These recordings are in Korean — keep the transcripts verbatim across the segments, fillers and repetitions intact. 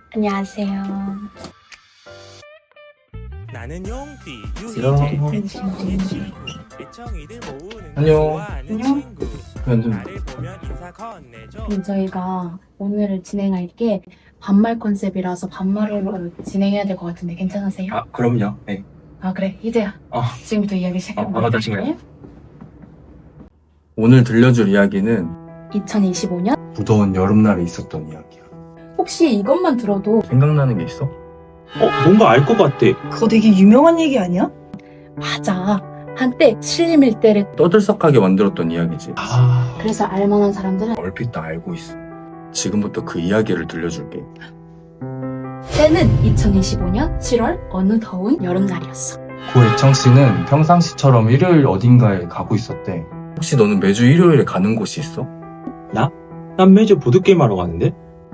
안녕하세요. 나는 용띠 안녕. 유희재 애청이의 친구 애청이들 모으는 안녕. 좋아하는 안녕. 친구 완전 나를 보면 인사 건네줘 그럼 저희가 오늘 진행할 게 반말 컨셉이라서 반말로 진행해야 될 것 같은데 괜찮으세요? 아 그럼요. 네. 아 그래 희재야. 어. 지금부터 이야기 시작해볼까요? 어, 반갑다, 친구야. 오늘 들려줄 이야기는 이천이십오 년? 무더운 여름날에 있었던 이야기야. 혹시 이것만 들어도 생각나는 게 있어? 어, 뭔가 알 것 같아. 그거 되게 유명한 얘기 아니야? 맞아. 한때 신림일대를 떠들썩하게 만들었던 이야기지. 아, 그래서 알만한 사람들은 얼핏 다 알고 있어. 지금부터 그 이야기를 들려줄게. 때는 이천이십오 년 칠월 어느 더운 여름날이었어. 고혜청 씨는 평상시처럼 일요일 어딘가에 가고 있었대. 혹시 너는 매주 일요일에 가는 곳이 있어? 난 매주 보드게임 하러 가는데?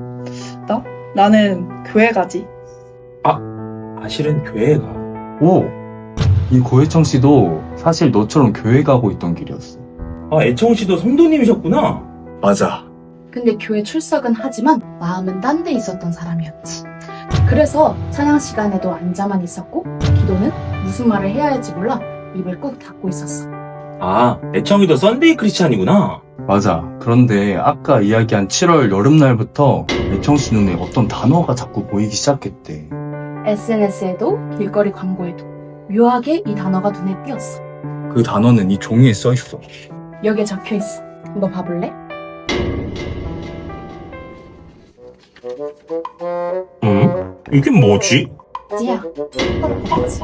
나는 교회 가지. 아, 실은 교회에 가. 오! 이 고혜청 씨도 사실 너처럼 교회 가고 있던 길이었어. 아, 애청 씨도 성도님이셨구나. 맞아. 근데 교회 출석은 하지만 마음은 딴 데 있었던 사람이었지. 그래서 찬양 시간에도 앉아만 있었고 기도는 무슨 말을 해야 할지 몰라 입을 꾹 닫고 있었어. 아, 애청이도 썬데이 크리스찬이구나. 맞아. 그런데 아까 이야기한 칠월 여름날부터 애청 씨 눈에 어떤 단어가 자꾸 보이기 시작했대. 에스엔에스에도 길거리 광고에도 묘하게 이 단어가 눈에 띄었어. 그 단어는 이 종이에 써 있어. 여기에 적혀 있어. 너 봐볼래? 응? 이게 뭐지? 지야, 똑바로 봐야지.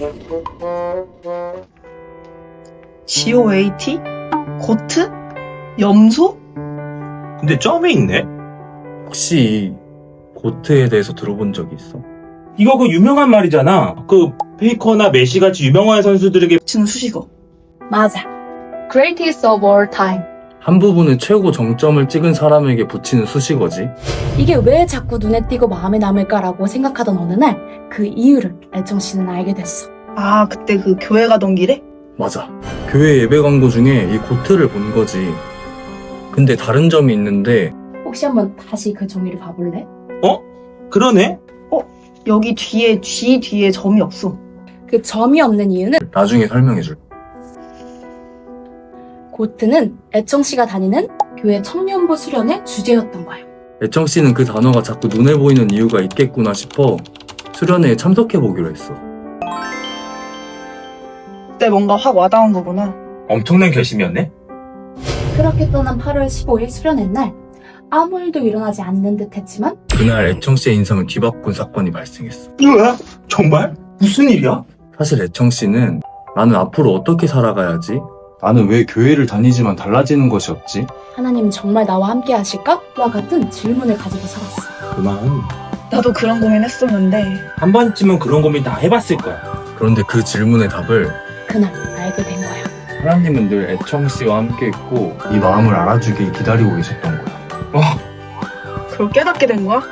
지오에이티? 고트? 염소? 근데 점이 있네? 혹시 고트에 대해서 들어본 적이 있어? 이거 그 유명한 말이잖아. 그 페이커나 메시같이 유명한 선수들에게 붙이는 수식어. 맞아. Greatest of all time. 한 부분에 최고 정점을 찍은 사람에게 붙이는 수식어지. 이게 왜 자꾸 눈에 띄고 마음에 남을까라고 생각하던 어느 날 그 이유를 애청 씨는 알게 됐어. 아, 그때 그 교회 가던 길에? 맞아. 교회 예배 광고 중에 이 고트를 본 거지. 근데 다른 점이 있는데 혹시 한번 다시 그 종이를 봐볼래? 그러네? 여기 뒤에, G 뒤에 점이 없어. 그 점이 없는 이유는 나중에 설명해줄게. 고트는 애청 씨가 다니는 교회 청년부 수련의 주제였던 거야. 애청 씨는 그 단어가 자꾸 눈에 보이는 이유가 있겠구나 싶어 수련회에 참석해보기로 했어. 그때 뭔가 확 와닿은 거구나. 엄청난 결심이었네? 그렇게 떠난 팔월 십오일 수련회 날 아무 일도 일어나지 않는 듯 했지만 그날 애청 씨의 인생을 뒤바꾼 사건이 발생했어. 뭐야? 정말? 무슨 일이야? 사실 애청 씨는 나는 앞으로 어떻게 살아가야지? 나는 왜 교회를 다니지만 달라지는 것이 없지? 하나님 정말 나와 함께 하실까? 와 같은 질문을 가지고 살았어. 그만. 나도 그런 고민 했었는데. 한 번쯤은 그런 고민 다 해봤을 거야. 그런데 그 질문의 답을 그날 알게 된 거야. 하나님은 늘 애청 씨와 함께 있고 이 마음을 알아주길 기다리고 계셨던 거야. 그걸 깨닫게 된 거야?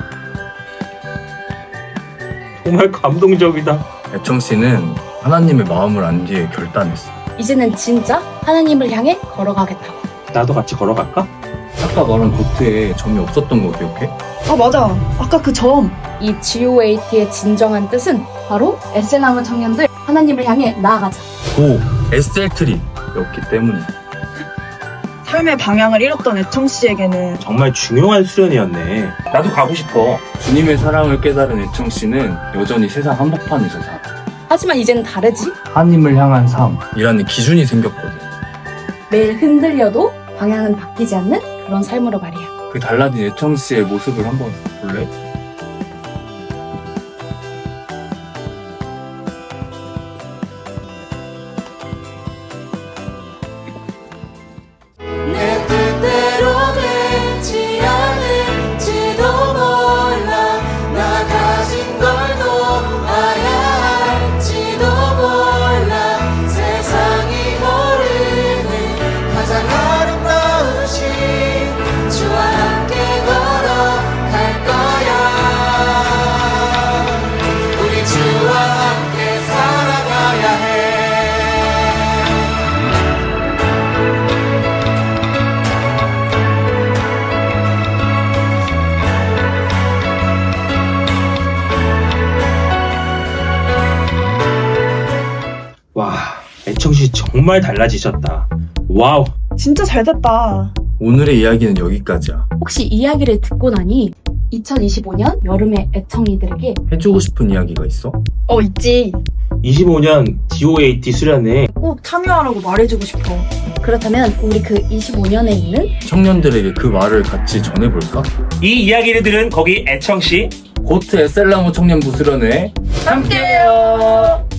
정말 감동적이다. 애청 씨는 하나님의 마음을 안 뒤에 결단했어. 이제는 진짜 하나님을 향해 걸어가겠다고. 나도 같이 걸어갈까? 아까 말한 고트에 점이 없었던 거 기억해? 아, 맞아. 아까 그 점. 이 지오에이티의 진정한 뜻은 바로 에스엔함은 청년들 하나님을 향해 나아가자. 고! 에스엘트리였기 때문이야. 삶의 방향을 잃었던 애청 씨에게는 정말 중요한 수련이었네. 나도 가고 싶어. 주님의 사랑을 깨달은 애청 씨는 여전히 세상 한복판에서 살아. 하지만 이제는 다르지. 하나님을 향한 삶. 이라는 기준이 생겼거든. 매일 흔들려도 방향은 바뀌지 않는 그런 삶으로 말이야. 그 달라진 애청 씨의 모습을 한번 볼래? 내 뜻대로 되지 않을지도 몰라 나 가진 걸 놓아야 할지도 몰라 세상이 모르는 가장 아름다우신 주와 함께 걸어갈 거야 애청씨 정말 달라지셨다. 와우. 진짜 잘 됐다. 오늘의 이야기는 여기까지야. 혹시 이야기를 듣고 나니 이천이십오 년 여름의 애청이들에게 해주고 싶은 이야기가 있어? 어, 있지. 이십오 년 디오에이티 수련회 꼭 참여하라고 말해주고 싶어. 그렇다면 우리 그 이십오 년에 있는 청년들에게 그 말을 같이 전해볼까? 이 이야기를 들은 거기 애청씨 고트 에셀라모 청년부 수련회 함께해요.